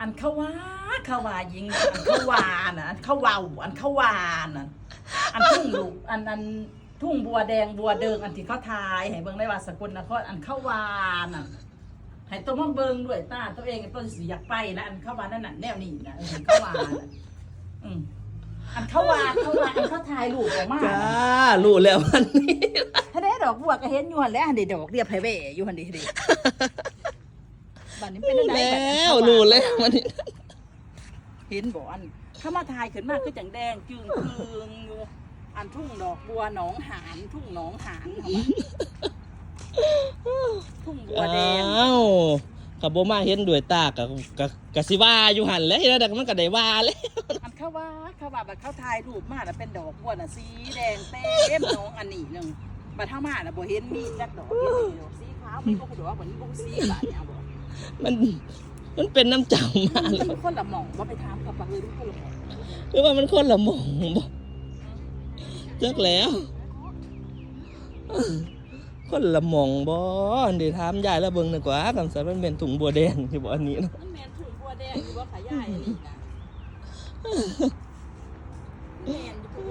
อันเขาว่ายิงอันเขาว่าน่ะอันเขาว่าอันเขาว่าน่ะอันทุ่งลูกอันทุ่งบัวแดงบัวเดิงอันที่เขาทายให้เบิ่งได้ว่าสกลนครอันเขาว่าน่ะให้ตัวมาเบิ่งด้วยตาตัวเองตัวสิอยากไปนะอันเขาว่านั่นน่ะแนวนี้นะอันเขาว่าน่ะอันเขาว่าอันเขาทายลูกออกมาจ้ารู้แล้ววันนี้ถ้าได้ดอกบัวก็เห็นอยู่หั่นแหล้วอันนี้ดอกเรียบไผแว่อยู่หั่นดิบัดนี้เป็นได้แล้วรู้แล้ววันนี้เห็นบ่อันเข้ามาทายขึ้นมาคือจังแดงจึงคืงอยู่อันทุ่งดอกบัวหนองหานทุ่งหนองหานเข้ามาทุ่งบัวแดงอ้าวกับโบมาเห็นด้วยตากับสิว่าอยู่หันแล้วแล้วมันก็ได้ว่าแล้วอันเขาว่าแบบเขาทายรูปมาแล้วเป็นดอกบัวน่ะสีแดงเต็มหนองอันนี้นึงบัดเท่ามาน่ะบ่เห็นมีจักดอกเห็นมีดอกสีขาวมีบ่ฮู้ดอกว่าบ่มีบ่สีบาดเนี่ยบ่มันเป็นน้ำเจ้ามาแล้วมันคนละหม่องบ่ไปถามกับบักเลยทุกคนละหม่องหรือว่ามันคนละหม่องบ่จักแล้วคนละหม่องบ่เดี๋ยวถามยายแล้วเบิ่งดีกว่าคำสัตว์มันเป็นถุงบัวแดงที่บ่อันนี้นะมันแม่นทุ่งบัวแดงอยู่บ่ขายายอันนี้นะแม่นอยู่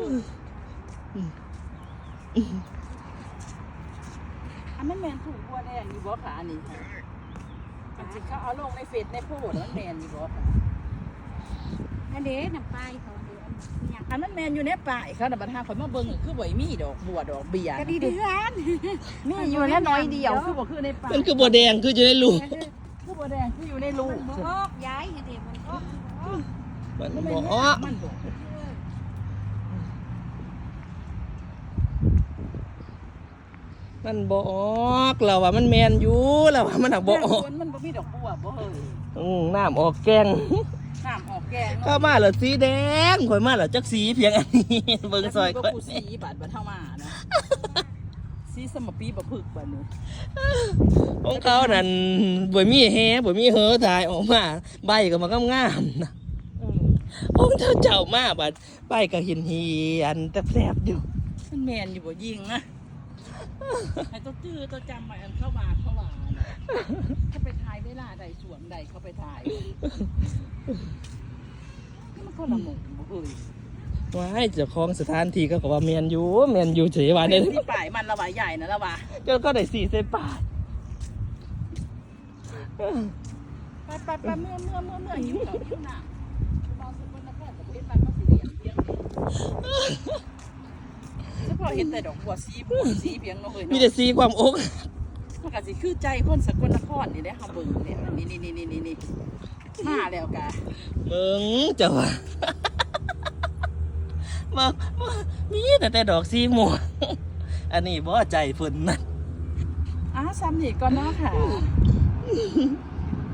อันนั้นแม่นทุ่งบัวแดงอยู่บ่ค่ะอันนี้ค่ะอันที่เขาเอาลงในเฟซในโพสต์มันแม่นอยู่บ่ค่ะอันเด้น้ำปลายเขาเดือนเนี่ยอันนั้นแม่นอยู่ในป่ายเขาน่ะบัดหาข่อยมาเบิ่งคือบ่มีดอกบัวดอกเบี้ยก็ดีเดือนมีอยู่แค่น้อยเดียวคือบ่คือในป่ามันคือบัวแดงคืออยู่ในรูคือบัวแดงคืออยู่ในรูมันบ่ออกย้ายเด็มันออกมันมันบ่บ่อ้อมันบ่มันบ่ออกเราว่ามันแมนอยู่เราว่ามันหักบ่ออกมันบ่มีดอกบัวบ่เฮ้ยน้ำออกแกงน้ำออกแกงเข้ามาเหรอสีแดงข่อยมาเหรอจักสีเพียงอันนี้เบิ่งซอยก็ข่อยกูสีบาดเท่ามานะสีสมปีบ่พึกบัดนี้ของเขานั่นบ่มีแฮบ่มีเหอถ่ายออกมาใบก็มางามๆนะของเจ้ามาบัดใบก็เห็นเฮียนแต่แซ่บอยู่มันแม่นอยู่บ่ยิงนะให้ตัวจื้อตัวจำไว้อันเข้ามานะถ้าไปถ่ายเวลาใดสวมใดเขาไปถ่ายมันคนละหมู่บ่เฮ้ยว้ายเจ้าของสถานที่ก็ว่าแมนอยู่เฉยว่าได้ที่ป่ายมันละว่าใหญ่นะละว่าเจ้าก็ได้4เส้นปาดไปเมื่อหิวเขาหิวน้ำบางสุดคนนครกับเห็นบ้านเขาสีเหลี่ยมเพียงเฉพาะเห็นแต่ดอกบัวสีเพียงเนาะเฮ้ยมีเนาะแต่สีความอกมันก็สิคือใจคนสกลนครนี่ได้เฮาเบิ่งเนี่ยนี่มาแล้วกะมึงเจ้าว่าบ่มีแต่ดอกสีม่วงอันนี้บ่ใจเพิ่นนะซ้ำนี่ก่อนเนาะค่ะ